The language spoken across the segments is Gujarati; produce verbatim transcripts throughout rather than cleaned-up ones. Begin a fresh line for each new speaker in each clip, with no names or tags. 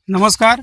નમસ્કાર,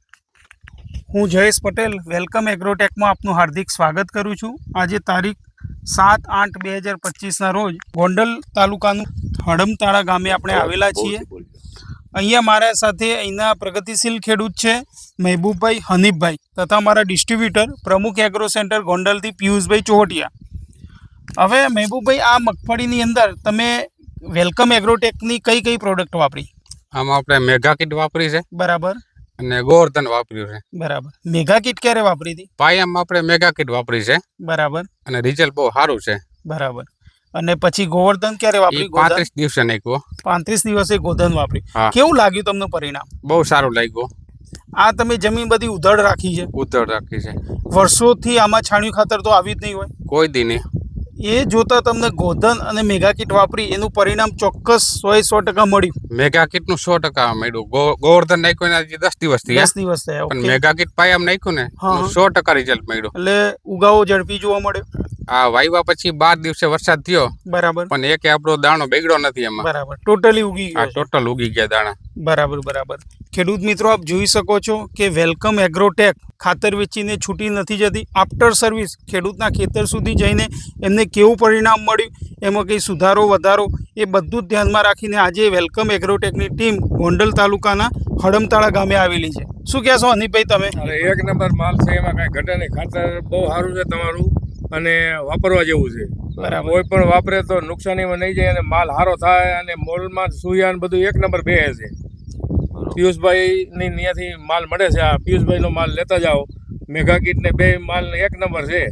હું જયેશ પટેલ વેલકમ એગ્રોટેકમાં આપનું હાર્દિક સ્વાગત કરું છું। આજે તારીખ સાત આઠ બે હજાર પચીસના રોજ ગોંડલ તાલુકાનું હડમતાળા ગામે આપણે આવેલા છીએ। અહીંયા મારા સાથે અહીંના પ્રગતિશીલ ખેડૂત છે મહેબૂબભાઈ હનીફભાઈ તથા મારા ડિસ્ટ્રીબ્યુટર પ્રમુખ એગ્રો સેન્ટર ગોંડલથી પિયુષભાઈ ચોહટિયા। હવે મહેબૂબભાઈ, આ મગફળીની અંદર તમે વેલકમ એગ્રોટેકની કઈ કઈ પ્રોડક્ટ વાપરી?
આમાં આપણે મેગા કિટ વાપરી છે,
બરાબર,
અને ગોવર્ધન વાપર્યું છે,
બરાબર। મેગા કિટ ક્યારે વાપરી હતી?
પાયામાં આપણે મેગા કિટ વાપરી છે,
બરાબર,
અને રિઝલ્ટ બહુ સારું છે,
બરાબર। અને પછી ગોવર્ધન ક્યારે વાપરી?
પાંત્રીસ દિવસે નાખ્યો,
પાંત્રીસ દિવસે ગોધન વાપરી। કેવું લાગ્યું તમને પરિણામ?
બહુ સારું લાગ્યું।
આ તમે જમીન બધી ઉધડ રાખી છે?
ઉધડ રાખી છે।
વર્ષોથી આમાં છાણિયું ખાતર તો આવી જ નહીં હોય?
કોઈ દી નહીં।
એ જોતા તમને ગોધન અને મેગા કિટ વાપરી એનું પરિણામ ચોક્કસ સો સો ટકા મળ્યું?
મેગા કિટ નું સો ટકા મળ્યું। ગોવર્ધન નાખ્યું ને હજી દસ દિવસ થયા,
દસ દિવસ થયા,
પણ મેગા કિટ પાયામાં નાખ્યું ને સો ટકા રિઝલ્ટ મળ્યું।
એટલે ઉગાવો ઝડપી જોવા મળ્યો?
આ વાવ્યા પછી બાર દિવસે વરસાદ થયો,
બરાબર,
પણ એક આપણો દાણો બગડ્યો નથી એમાં,
બરાબર, ટોટલી ઉગી ગયો,
ટોટલ ઉગી ગયા દાણા,
બરાબર, બરાબર। ખેડૂત મિત્રો, આપ જોઈ શકો છો કે વેલકમ એગ્રોટેક ખાતર વેચીને છૂટી નથી જતી। આફ્ટર સર્વિસ ખેડૂતના ખેતર સુધી જઈને એમને કેવું પરિણામ મળ્યું, એમાં કંઈ સુધારો વધારો, એ બધું જ ધ્યાનમાં રાખીને આજે વેલકમ એગ્રોટેકની ટીમ ગોંડલ તાલુકાના હડમતાળા ગામે આવેલી છે। શું કહેશો હનીફભાઈ તમે?
એક નંબર માલ છે, એમાં કાંઈ ઘટે નહીં। ખાતર બહુ સારું છે તમારું અને વાપરવા જેવું છે।
બરાબર,
કોઈ પણ વાપરે તો નુકસાનીમાં નહીં જાય અને માલ સારો થાય અને મોલમાં સુયાન બધું એક નંબર બે છે। પિયુષભાઈ ની ત્યાંથી માલ મળે છે, આ પિયુષભાઈ નો માલ લેતા જાઓ। મેગા કિટ ને બે માલ એક નંબર છે।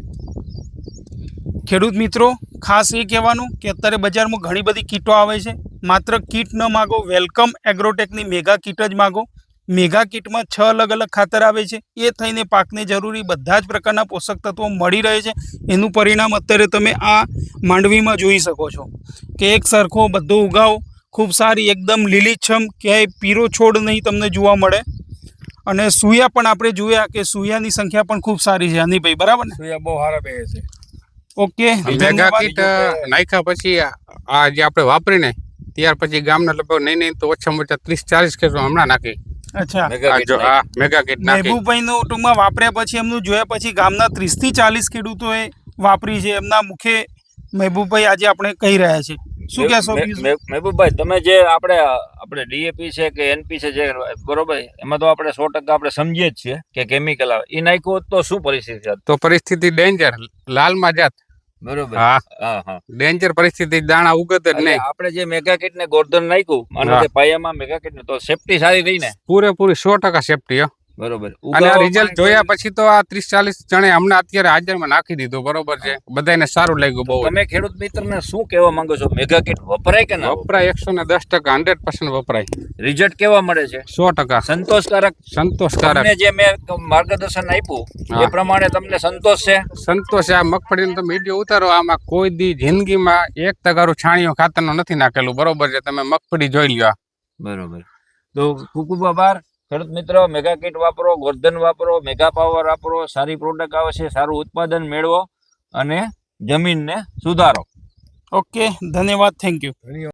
ખેડૂત મિત્રો, ખાસ એ કહેવાનું કે અત્યારે બજારમાં ઘણી બધી કીટો આવે છે, માત્ર કીટ ન માગો, વેલકમ એગ્રોટેકની મેગા કીટ જ માગો। મેગા કીટમાં છ અલગ અલગ ખાતર આવે છે, એ થઈને પાકને જરૂરી બધા જ પ્રકારના પોષક તત્વો મળી રહે છે। એનું પરિણામ અત્યારે તમે આ માંડવીમાં જોઈ શકો છો કે એક સરખો બધો ઉગાવ, ખૂબ સારી એકદમ લીલીછમ, ક્યાંય પીરો છોડ નહીં તમને જોવા મળે। અને સુયા પણ આપણે જોયા કે સુયાની સંખ્યા પણ ખૂબ સારી છે હનીભાઈ, બરાબર ને?
સુયા બહુ સારા બે છે।
ઓકે,
મેગા કિટ નાખ્યા પછી આ જે આપણે વાપરીને ત્યાર પછી ગામના લગભગ નહીં નહીં તો ઓછામાં ઓછા ત્રીસ ચાલીસ ખેડૂતો હમણાં નાખી।
અચ્છા,
મેગા કિટ
મહેબૂબભાઈ નું ટૂંકમાં વાપર્યા પછી એમનું જોયા પછી ગામના ત્રીસ થી ચાલીસ ખેડૂતોએ વાપરી છે। એમના મુખે મહેબૂબભાઈ આજે આપણે કહી રહ્યા છે। શું કહેશો
મહેબૂબભાઈ, તમે જે આપણે આપણે ડીએપી છે કે એનપી છે જે બરોબર, એમાં તો આપણે સો ટકા આપણે સમજીએ જ છીએ કે કેમિકલ આવે, એ નાખ્યું હોત તો શું પરિસ્થિતિ?
તો પરિસ્થિતિ ડેન્જર, લાલમાં જાત,
બરોબર,
હા
હા હા,
ડેન્જર પરિસ્થિતિ, દાણા ઉગત જ નહીં।
આપણે જે મેગા કિટ ને ગોર્ધન નાખ્યું અને પાયામાં મેગા કિટ ને, તો સેફટી સારી રહી ને?
પૂરેપૂરી સો ટકા સેફટી,
બરોબર।
અને આ રિઝલ્ટ જોયા પછી તો આ ત્રીસ ચાલીસ જણે હમણાં અત્યારે હાજરમાં નાખી દીધું, બરોબર છે, બધાને સારું લાગ્યું બહુ।
તમે ખેડૂત મિત્રને શું કહેવા માંગો છો? મેગા કિટ વપરાય કે ના
વપરાય? એકસો ને દસ ટકા હંડ્રેડ પર્સન્ટ વપરાય।
રિઝલ્ટ કેવા મળે છે?
સો ટકા
સંતોષકારક?
સંતોષકારક।
તમને જે મેં માર્ગદર્શન આપ્યું એ પ્રમાણે તમને સંતોષ છે?
સંતોષ છે। આ મગફળીનો તમે વિડીયો ઉતારો, આમાં કોઈ દી જિંદગીમાં એક તગારું છાણિયું ખાતરનું નથી નાખેલું, બરોબર છે, તમે મગફળી જોઈ લ્યો,
બરોબર। તો ખૂબ ખૂબ આભાર ખેડૂત મિત્રો। મેગા કિટ વાપરો, ગોર્ધન વાપરો, મેગા પાવર વાપરો, સારી પ્રોડક્ટ આવે છે, સારું ઉત્પાદન મેળવો અને જમીનને સુધારો।
ઓકે, ધન્યવાદ, થેન્ક યુ।